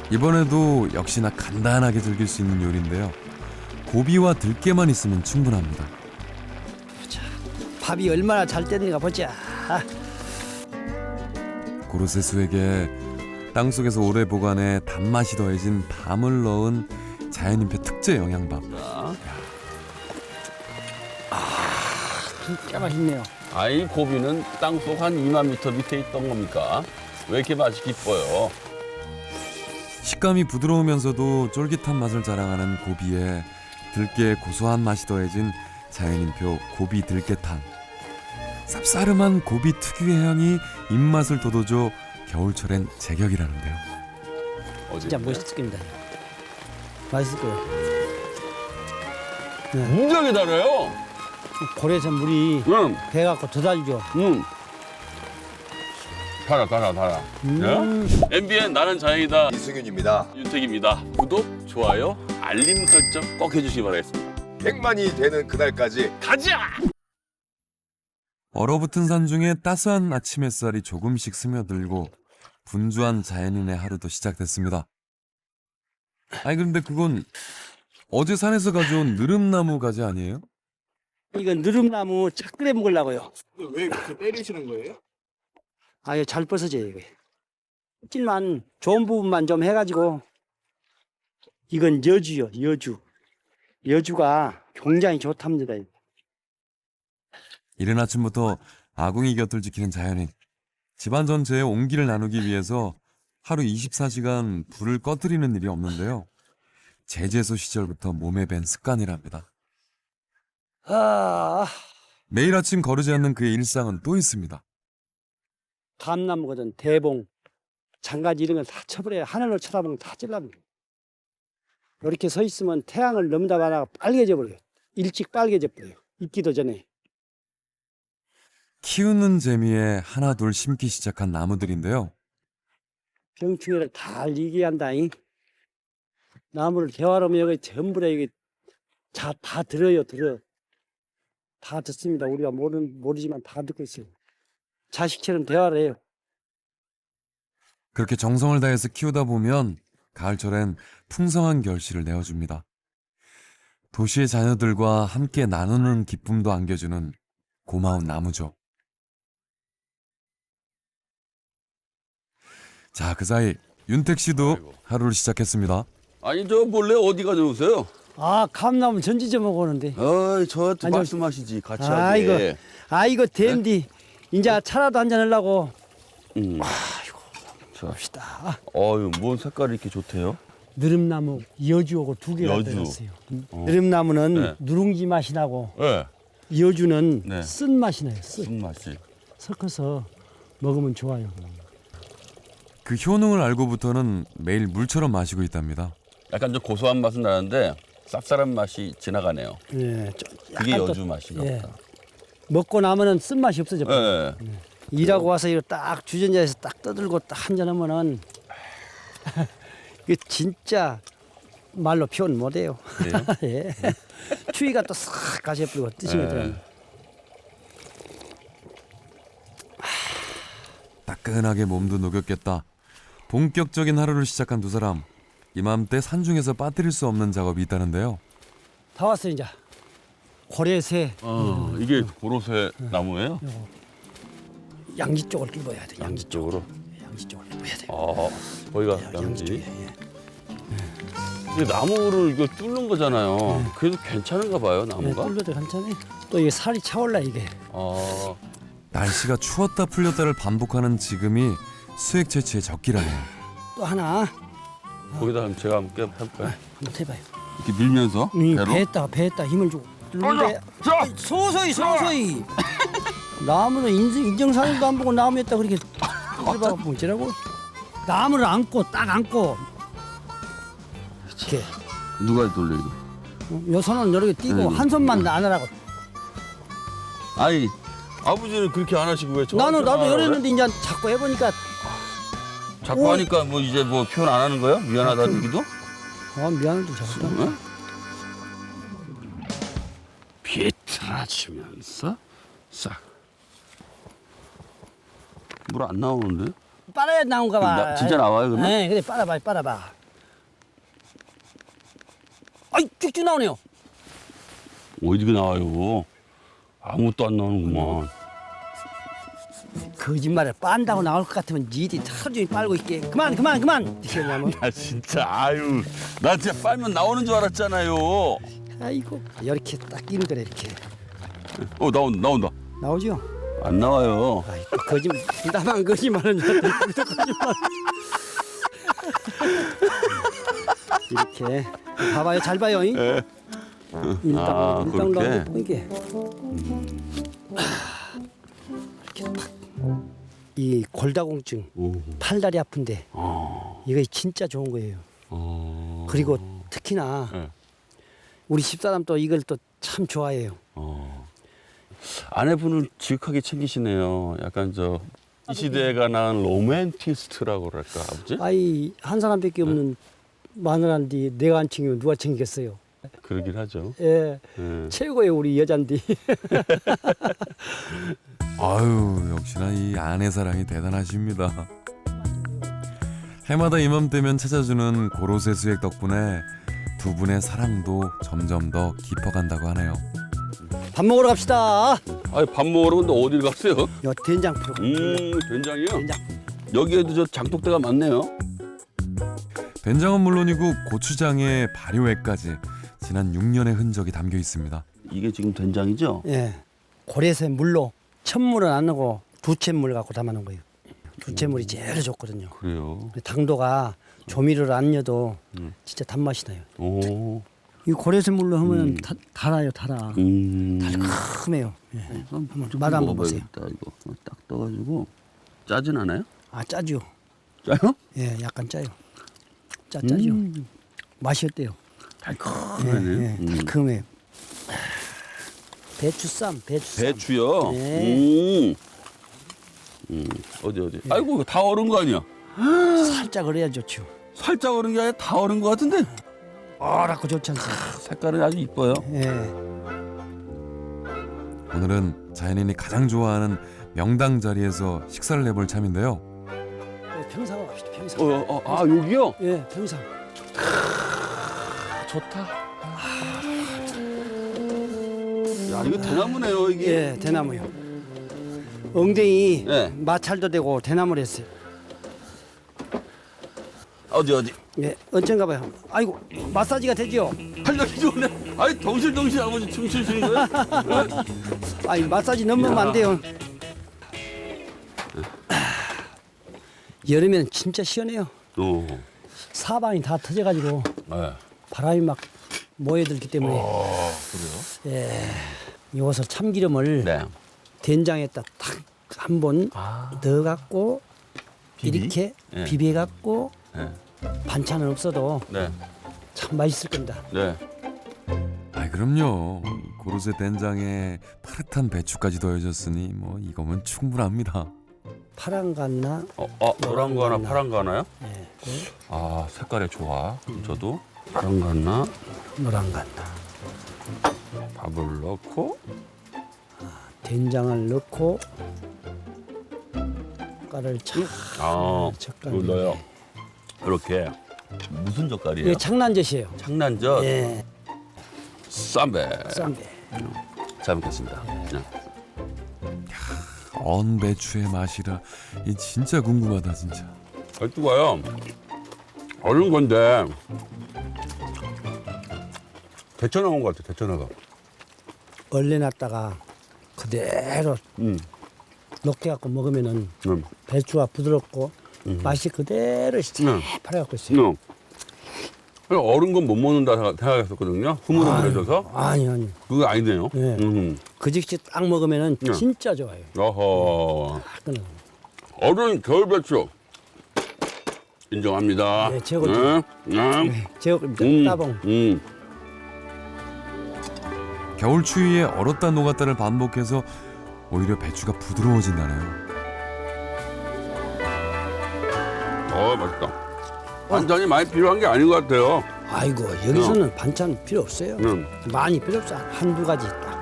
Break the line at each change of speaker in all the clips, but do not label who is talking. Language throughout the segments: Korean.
이번에도 역시나 간단하게 즐길 수 있는 요리인데요. 고비와 들깨만 있으면 충분합니다.
밥이 얼마나 잘 됐는가 보자.
고로쇠수에게 땅속에서 오래 보관해 단맛이 더해진 밤을 넣은 자연인표 특제 영양밥.
진짜 맛있네요.
아이 고비는 땅속 한 2만 미터 밑에 있던 겁니까? 왜 이렇게 맛이 깊어요?
식감이 부드러우면서도 쫄깃한 맛을 자랑하는 고비에 들깨의 고소한 맛이 더해진 자연인표 고비 들깨탕. 쌉싸름한 고비 특유의 향이 입맛을 돋워줘 겨울철엔 제격이라는데요.
진짜 멋있을 겁니다. 맛있을 거예요.
굉장히 달아요.
고래에서 물이
응,
배갖고 더 달죠.
응. 달아. MBN 나는 자연이다.
이승윤입니다.
윤택입니다. 구독, 좋아요, 알림 설정 꼭 해주시기 바라겠습니다.
100만이 되는 그날까지
가자!
얼어붙은 산 중에 따스한 아침 햇살이 조금씩 스며들고 분주한 자연인의 하루도 시작됐습니다. 아니 그런데 그건 어제 산에서 가져온 느릅나무 가지 아니에요?
이건 느릅나무 차 끓여 먹으려고요.
왜 그렇게 때리시는 거예요?
아유 잘 벗어져요 이거. 찔만 좋은 부분만 좀 해가지고. 이건 여주요 여주. 여주가 굉장히 좋답니다.
이른 아침부터 아궁이 곁을 지키는 자연인. 집안 전체에 온기를 나누기 위해서 하루 24시간 불을 꺼뜨리는 일이 없는데요. 제재소 시절부터 몸에 밴 습관이랍니다. 매일 아침 거르지 않는 그의 일상은 또 있습니다.
감나무거든 대봉, 장가지 이런 걸 다 쳐버려요. 하늘을 쳐다보면 다 찔러버려요. 이렇게 서 있으면 태양을 넘다 말아가 빨개져 버려요. 일찍 빨개져 버려요. 익기도 전에.
키우는 재미에 하나 둘 심기 시작한 나무들인데요.
병충해를 다 이기게 한다잉. 나무를 대화하면 여기 전부 다 여기 다 들어요, 들어. 다 듣습니다. 우리가 모르지만 다 듣고 있어요. 자식처럼 대화를 해요.
그렇게 정성을 다해서 키우다 보면 가을철엔 풍성한 결실을 내어줍니다. 도시의 자녀들과 함께 나누는 기쁨도 안겨주는 고마운 나무죠. 자, 그 사이 윤택 씨도 하루를 시작했습니다.
아니 저 몰래 어디 가져오세요?
감나무 전지 좀 먹었는데.
어이 저한테
아니요.
말씀하시지 같이
아이고,
하게.
이거 댐디. 이제 차라도 한잔 하려고.
자,
봅시다.
어유 뭔 색깔이 이렇게 좋대요?
느릅나무 여주하고 두 개가
여주.
들었어요. 느릅나무는
네.
누룽지 맛이 나고
네.
여주는
네.
쓴 맛이 나요.
무슨 맛이?
섞어서 먹으면 좋아요.
그 효능을 알고부터는 매일 물처럼 마시고 있답니다.
약간 좀 고소한 맛은 나는데 쌉쌀한 맛이 지나가네요.
예,
그게
약간 또-
여주 맛인가
예.
보다.
먹고 나면은 쓴 맛이 없어져.
예.
일하고 와서 이거 딱 주전자에서 딱 떠들고 딱 한잔 하면은 이거 진짜 말로 표현 못해요.
그래요?
예. 추위가 또 싹 가셔버리고 뜨시거든요.
따끈하게 몸도 녹였겠다. 본격적인 하루를 시작한 두 사람. 이맘때 산중에서 빠뜨릴 수 없는 작업이 있다는데요.
다 왔어요 이제. 고래새
이게 고로쇠 나무예요?
양지 쪽을 뚫어야 돼.
양지 쪽으로.
양지 쪽을 뚫어야 돼.
거기가
양지
양지.
쪽에. 예.
이 나무를 이거 뚫는 거잖아요. 그래도 괜찮은가 봐요
예,
나무가.
뚫려도 괜찮아요. 또 이게 살이 차올라 이게.
날씨가 추웠다 풀렸다를 반복하는 지금이 수액 채취의 적기라네요.
또 하나
거기다 그럼 제가 함께 해볼까요?
한번 해봐요.
이렇게 밀면서 배로.
배에다 힘을 주고. 뚫는데
자!
소소히. 나무는 인정사정도 안 보고 나무였다 그렇게 해봐 뭐지라고? 나무를 딱 안고. 이렇게.
누가 돌려 이거?
요 손은 이렇게 띄고 한 손만 안 하라고.
아니 아버지는 그렇게 안 하시고 왜
나도
하라고 그래?
이랬는데 이제 자꾸 해보니까
자꾸 하니까 뭐 이제 뭐 표현 안 하는 거야? 미안하다는 얘기도?
미안해도 자꾸.
응? 비틀어지면서 싹. 물 안 나오는데?
빨아야 나온가 봐.
진짜 나와요 그러면?
네, 그래 빨아봐. 아이 쭉쭉 나오네요.
어디가 나와요? 아무것도 안 나오는구만.
거짓말을 빤다고 나올 것 같으면 니들이 하루 종일 빨고 있게. 그만. 이렇게 하면.
나 진짜 아유, 나 진짜 빨면 나오는 줄 알았잖아요.
아이고 이렇게 딱 끼는 거래 이렇게.
나온다.
나오죠?
안 나와요.
아이고 거짓말. 나만 거짓말은 줄 알았더니 우리도 거짓말. 이렇게 봐봐요. 잘 봐요. 잉?
예.
일당
그렇게?
이게 이렇게 탁. 이 골다공증,
오.
팔다리 아픈데 이거 진짜 좋은 거예요. 그리고 특히나
네.
우리 집사람 또 이걸 또 참 좋아해요.
아내분을 지극하게 챙기시네요. 약간 이 시대가 낳은 로맨티스트라고 그럴까, 아버지?
아이 한 사람밖에 없는 마누라인데 내가 안 챙기면 누가 챙기겠어요.
그러긴 하죠.
예,
예.
최고예요 우리 여잔디.
아유, 역시나 이 아내 사랑이 대단하십니다. 해마다 이맘때면 찾아주는 고로쇠 수액 덕분에 두 분의 사랑도 점점 더 깊어간다고 하네요.
밥 먹으러 갑시다.
아니, 밥 먹으러 근데 어딜 갔어요?
요 된장 풀어.
된장이요?
된장.
여기에도 저 장독대가 많네요.
된장은 물론이고 고추장에 발효액까지 지난 6년의 흔적이 담겨 있습니다.
이게 지금 된장이죠?
예, 고래새 물로 천물은 안 넣고 두채물 갖고 담아놓은 거예요. 두채물이 제일 좋거든요.
그래요.
당도가 조미료를 안 넣어도 진짜 단맛이 나요.
오.
이 고래새 물로 하면 달아요, 달아. 달콤해요. 예.
한번
맛 한번 보세요.
먹어봐야겠다, 이거. 딱 떠가지고. 짜진 않아요?
아 짜죠.
짜요?
예, 약간 짜요. 짜죠. 맛이 어때요?
달콤하네.
예, 달콤해요. 배추쌈.
배추요?
네.
어디. 아이고, 이거 다 얼은 거 아니야?
살짝 얼어야 좋죠.
살짝 얼은 게 아니라 다 얼은 거 같은데?
어라고 좋지 않습니까?
색깔은 아주 이뻐요.
예.
오늘은 자연인이 가장 좋아하는 명당 자리에서 식사를 해볼 참인데요.
평상으로 갑시다. 평상.
여기요?
예, 평상.
좋다. 야, 이거 대나무네요, 이게.
예, 대나무요. 엉덩이
예.
마찰도 되고 대나무를 했어요.
어디?
예, 언젠가 봐요. 아이고, 마사지가 되죠?
활력이 좋네. 아니, 덩실덩실 아버지 춤추시는 거예요?
아니, 마사지 넘으면 안 돼요. 여름에는 진짜 시원해요.
오.
사방이 다 터져가지고
네.
바람이 막 모여들기 때문에.
그래요?
예, 이것을 참기름을
네.
된장에다 딱 한 번 넣어갖고
비비?
이렇게
예.
비벼갖고
네.
반찬은 없어도
네.
참 맛있을 겁니다.
네.
아, 그럼요. 고로쇠 된장에 파릇한 배추까지 더해졌으니 뭐 이거면 충분합니다.
파란 갔나?
노란 거 하나,
노란
파란 거 하나요?
예,
아, 색깔이 좋아. 그럼 저도 파란 거 하나,
노란 갔나?
밥을 넣고.
된장을 넣고 젓갈을 착 젓갈.
이거 넣어요. 그렇게. 무슨 젓갈이에요?
이게 창란젓이에요.
창난젓,
예,
쌈배.
쌈배.
잘 먹겠습니다. 네.
언 배추의 맛이라 이 진짜 궁금하다 진짜.
뜨거워요. 얼른 건데 데쳐나온 것 같아. 데쳐나가.
얼려놨다가 그대로 녹게 갖고 먹으면은 배추가 부드럽고 맛이 그대로 새파랗고 있어요.
얼은 건 못 먹는다 생각했었거든요. 흐물흐물해져서.
아니.
그거 아니네요.
네. 그 즉시 딱 먹으면은 진짜 좋아요.
어허.
끊어.
얼은 겨울 배추. 인정합니다.
네, 최고죠. 제육입니다. 따봉.
겨울 추위에 얼었다 녹았다를 반복해서 오히려 배추가 부드러워진다네요.
맛있다. 반찬이 많이 필요한 게 아닌 것 같아요.
아이고 여기서는 반찬 필요 없어요. 많이 필요 없어. 한두 가지 딱.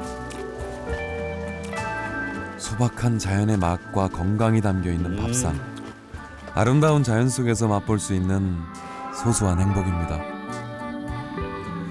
소박한 자연의 맛과 건강이 담겨 있는 밥상. 아름다운 자연 속에서 맛볼 수 있는 소소한 행복입니다.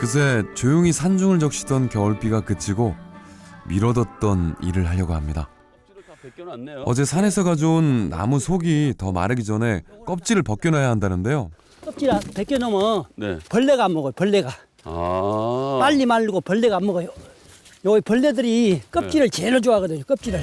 그새 조용히 산중을 적시던 겨울비가 그치고 미뤄뒀던 일을 하려고 합니다.
껍질을 다 벗겨놨네요.
어제 산에서 가져온 나무 속이 더 마르기 전에 껍질을 벗겨놔야 한다는데요.
껍질 벗겨놓으면
네.
벌레가 안 먹어요. 벌레가
아.
빨리 마르고 벌레가 안 먹어요. 여기 벌레들이 껍질을 제일 좋아하거든요. 껍질을.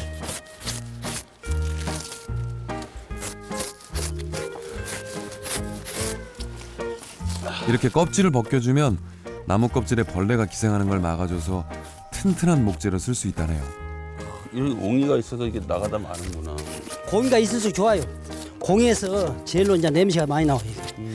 이렇게 껍질을 벗겨주면 나무 껍질에 벌레가 기생하는 걸 막아줘서 튼튼한 목재로 쓸 수 있다네요.
이런 옹이가 있어서 이게 나가다 마는구나.
공기가 있을수록 좋아요. 공에서 제일로 이제 냄새가 많이 나와요.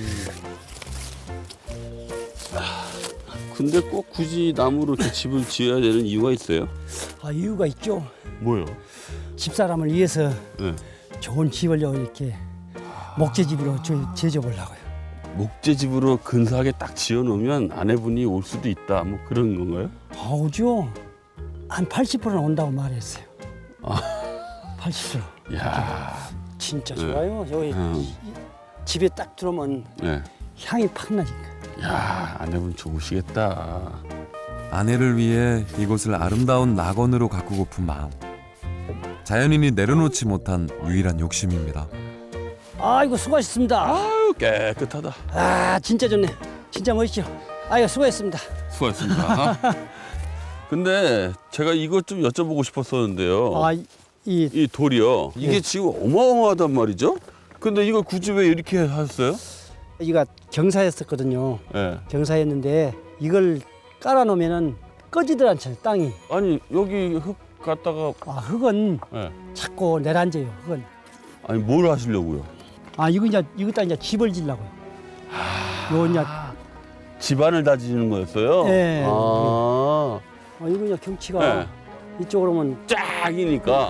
근데 꼭 굳이 나무로 이렇게 집을 지어야 되는 이유가 있어요?
아, 이유가 있죠.
뭐요?
집사람을 위해서
네.
좋은 집을 이렇게 목재집으로 제조하려고요.
목재집으로 근사하게 딱 지어놓으면 아내분이 올 수도 있다. 뭐 그런 건가요?
아, 오죠. 한 80%는 온다고 말했어요. 80%.
이야.
진짜
네.
좋아요. 여기 집에 딱 들어오면
네.
향이 팍 나니까.
야, 아내분 좋으시겠다.
아내를 위해 이곳을 아름다운 낙원으로 가꾸고픈 마음. 자연인이 내려놓지 못한 유일한 욕심입니다.
아이고, 수고하셨습니다.
아유, 깨끗하다.
아, 진짜 좋네. 진짜 멋있죠. 아이고, 수고했습니다.
수고하셨습니다. 근데 제가 이것 좀 여쭤보고 싶었었는데요.
아,
이 돌이요. 이게
네.
지금 어마어마하단 말이죠? 근데 이걸 굳이 왜 이렇게 하셨어요?
이가 경사였었거든요.
예.
경사였는데 이걸 깔아놓으면은 꺼지들 않잖아요. 땅이.
아니, 여기 흙 갖다가
아, 흙은
예.
자꾸 내려앉아요. 흙은.
아니, 뭘 하시려고요?
아, 이거다 이제 집을 지려고요. 요 이제
집안을 다지는 거였어요?
네.
아.
이거 이제 경치가
네.
이쪽으로 오면
쫙이니까.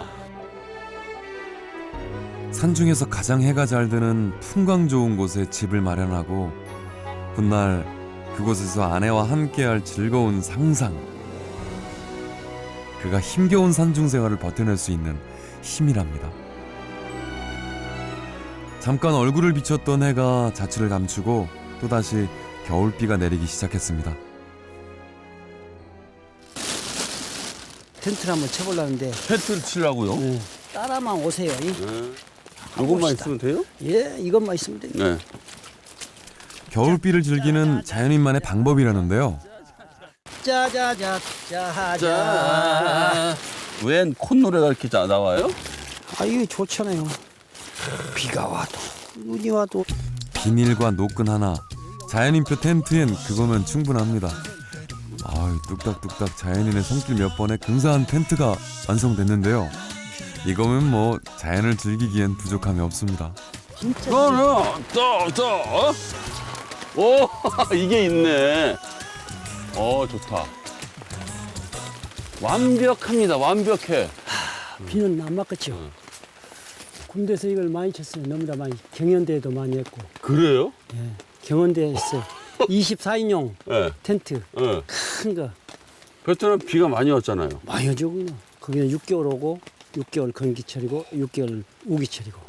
산중에서 가장 해가 잘 드는 풍광 좋은 곳에 집을 마련하고 훗날 그곳에서 아내와 함께할 즐거운 상상. 그가 힘겨운 산중 생활을 버텨낼 수 있는 힘이랍니다. 잠깐 얼굴을 비췄던 해가 자취를 감추고 또다시 겨울비가 내리기 시작했습니다.
텐트를 한번 쳐보려는데
텐트를 치려고요?
네. 따라만 오세요.
네. 이것만 있으면 돼요?
예, 이것만 있으면 돼요.
네.
겨울비를 즐기는 자연인만의 방법이라는데요.
짜자자 짜자.
웬 콧노래가 이렇게 나와요?
아, 이게 좋잖아요. 비가 와도 눈이 와도.
비닐과 노끈 하나, 자연인표 텐트엔 그거면 충분합니다. 아유, 뚝딱뚝딱 자연인의 손길 몇 번에 근사한 텐트가 완성됐는데요. 이거면 뭐 자연을 즐기기엔 부족함이 없습니다.
진짜.
오, 이게 있네. 좋다. 완벽합니다. 완벽해.
비는 안 맞겠죠. 군대에서 이걸 많이 쳤어요. 너무나 많이. 경연대회도 많이 했고.
그래요?
예, 경연대회 했어요. 24인용
네.
텐트
네.
큰 거.
베트남 비가 많이 왔잖아요.
많이 오죠. 거기는 6개월 오고 6개월 건기철이고 6개월 우기철이고.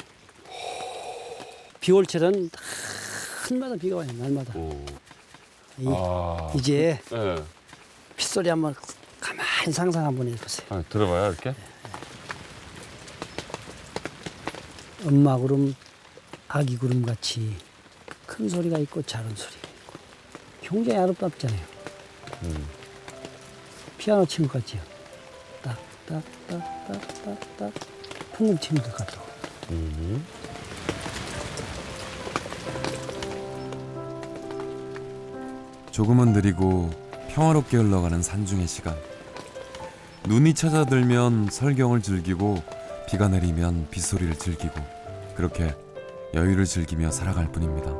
비올철은 날마다 비가 와요. 날마다. 이제
네.
빗소리 한번 가만히 상상 한번 해보세요.
들어봐요, 이렇게.
엄마 구름, 아기 구름 같이 큰 소리가 있고 작은 소리가 있고 굉장히 아름답잖아요. 피아노 치는 것 같지요. 딱딱딱딱딱딱 풍금 치는 것 같고.
조금은 느리고 평화롭게 흘러가는 산중의 시간. 눈이 찾아들면 설경을 즐기고 비가 내리면 빗소리를 즐기고 그렇게 여유를 즐기며 살아갈 뿐입니다.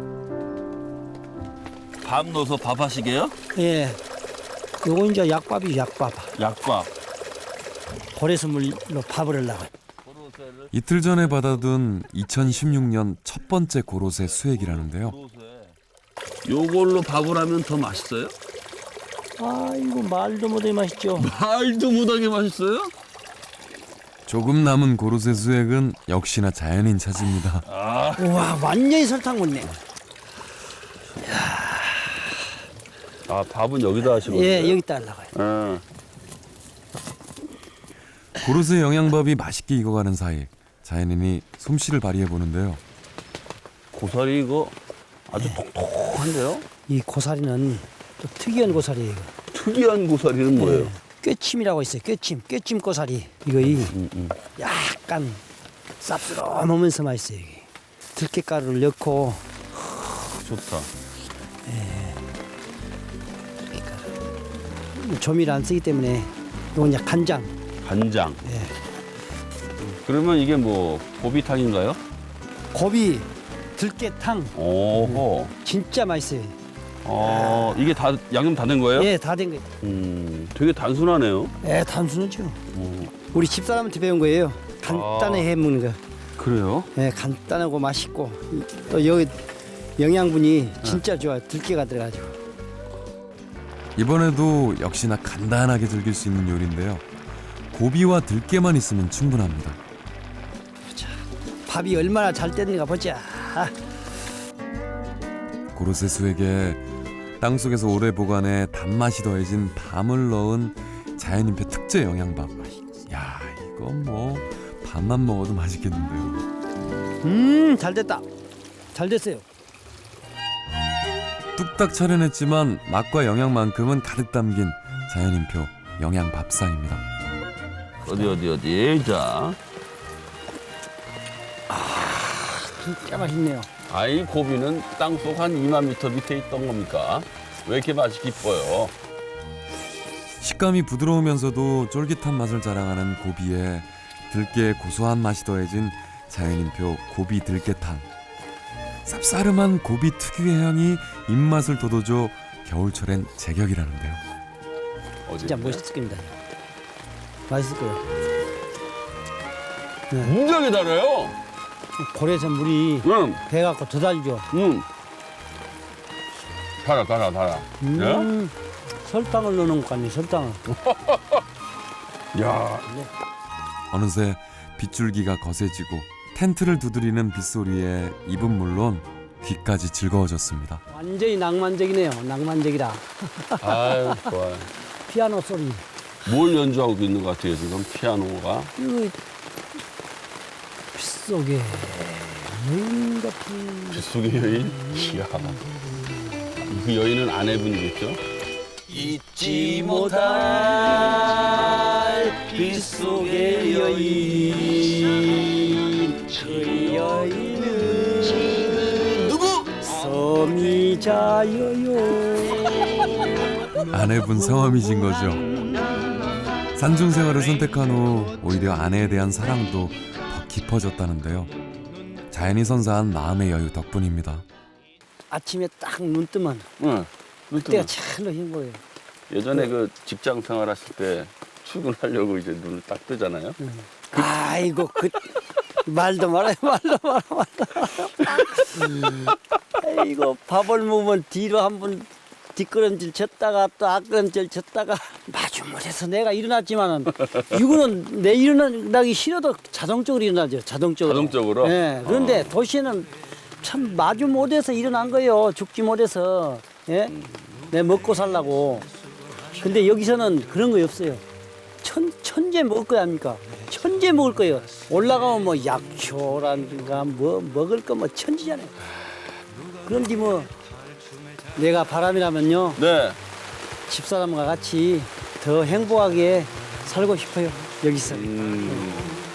밥 넣어서 밥 하시게요?
예. 요거 이제 약밥이죠, 약밥.
약밥.
고래수물로 밥을 하려고.
이틀 전에 받아둔 2016년 첫 번째 고로쇠 수액이라는데요.
요걸로 밥을 하면 더 맛있어요?
아이고, 말도 못해 맛있죠.
말도 못하게 맛있어요?
조금 남은 고로쇠 수액은 역시나 자연인 차지입니다.
우와, 완전히 설탕 묻네.
아, 밥은 여기다 하시는 거예요?
예, 여기다 하려고요.
예.
고로쇠 영양밥이 맛있게 익어가는 사이 자연인이 솜씨를 발휘해 보는데요.
고사리 이거 아주 통통한데요?
이 고사리는 또 특이한 고사리예요. 이거.
특이한 고사리는 뭐예요?
예, 꿰침이라고 있어요. 꿰침 고사리. 이거 약간 쌉스러우면서 맛있어요. 이게. 들깨가루를 넣고
좋다.
조미를 안 쓰기 때문에 이건 이제 간장.
간장.
예.
그러면 이게 뭐 고비탕인가요?
고비, 들깨탕
오호.
진짜 맛있어요.
이게 다 양념 다 된 거예요?
예, 다 된 거예요.
되게 단순하네요.
예, 단순하죠. 우리 집사람한테 배운 거예요. 간단하게 해 먹는 거.
그래요?
예, 간단하고 맛있고 또 여기 영양분이 진짜 좋아요. 들깨가 들어가지고.
이번에도 역시나 간단하게 즐길 수 있는 요리인데요. 고비와 들깨만 있으면 충분합니다.
밥이 얼마나 잘 됐는가 보자.
고로쇠 수액에 땅속에서 오래 보관해 단맛이 더해진 밤을 넣은 자연인표 특제 영양밥. 야, 이건 뭐 밥만 먹어도 맛있겠는데요.
잘 됐다. 잘 됐어요.
뚝딱 차려냈지만 맛과 영양만큼은 가득 담긴 자연인표 영양밥상입니다.
어디. 자.
진짜 맛있네요.
아이 고비는 땅속 한 2만 미터 밑에 있던 겁니까? 왜 이렇게 맛이 깊어요?
식감이 부드러우면서도 쫄깃한 맛을 자랑하는 고비에 들깨의 고소한 맛이 더해진 자연인표 고비 들깨탕. 쌉싸름한 고비 특유의 향이 입맛을 돋워줘 겨울철엔 제격이라는데요.
진짜 멋있을 겁니다. 맛있을 거예요.
굉장히 달아요.
고래에서 물이
응.
배갖고 더 달죠.
달아.
설탕을 넣는 것 같네. 설탕을.
야,
어느새 빗줄기가 거세지고 텐트를 두드리는 빗소리에 입은 물론 귀까지 즐거워졌습니다.
완전히 낭만적이네요. 낭만적이라.
아유 좋아요.
피아노 소리.
뭘 연주하고 있는 것 같아요 지금 피아노가?
이거 빗속에 여인 같은.
빗속의 여인? 이야. 그 여인은 아내분이겠죠?
잊지 못할 빗속의 여인. 그 여인은 누구? 섬이자여요.
아내분 성함이신 거죠. 산중 생활을 선택한 후 오히려 아내에 대한 사랑도 더 깊어졌다는데요. 자연이 선사한 마음의 여유 덕분입니다.
아침에 딱 눈 뜨면
응.
그때가 찰로 행복해요.
예전에 그 직장 생활하실 때 출근하려고 이제 눈을 딱 뜨잖아요.
아이고 그 말도 말아요. 아이고 밥을 먹으면 뒤로 한번 뒷걸음질 쳤다가 또 앞걸음질 쳤다가 마주물에서 내가 일어났지만은 이거는 내 일어나기 싫어도 자동적으로 일어나죠. 자동적으로. 예. 그런데 도시에는 참 마주 못해서 일어난 거예요. 죽지 못해서. 예. 내 먹고 살라고. 근데 여기서는 그런 거 없어요. 천재 먹을 거 아닙니까? 천재 먹을 거예요. 올라가면 뭐 약초라든가 뭐 먹을 거 뭐 천지잖아요. 그런데 뭐 내가 바람이라면요.
네.
집사람과 같이 더 행복하게 살고 싶어요. 여기서.